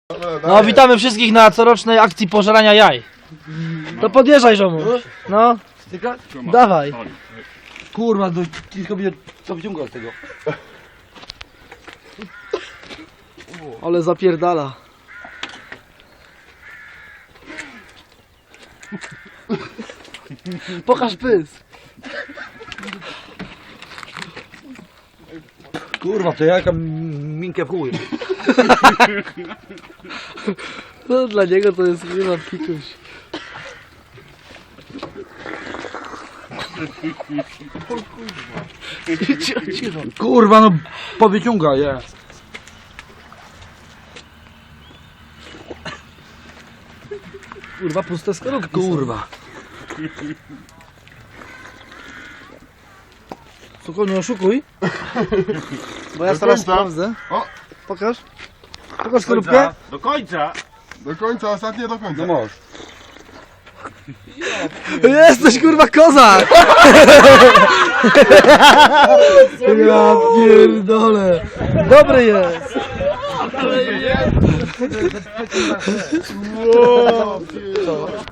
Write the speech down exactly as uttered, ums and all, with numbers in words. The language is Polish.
No, witamy wszystkich na corocznej akcji pożerania jaj. To podjeżdżaj, żomu. No, dawaj. Kurwa, do ciężko będzie co wyciągać z tego. Ale zapierdala. Pokaż pys. Kurwa, to jaka minkę w chuj. No, dla niego to jest chyba pikuś. Kurwa, no powyciąga je. Kurwa, puste skorupki. Kurwa. Tylko nie oszukuj. Bo ja Do teraz końca. sprawdzę. O! Pokaż. Pokaż skorupkę. Do końca! Do końca, ostatnie do końca. No możesz. Jesteś kurwa kozak! Ja pierdolę. Dobry jest. Wow,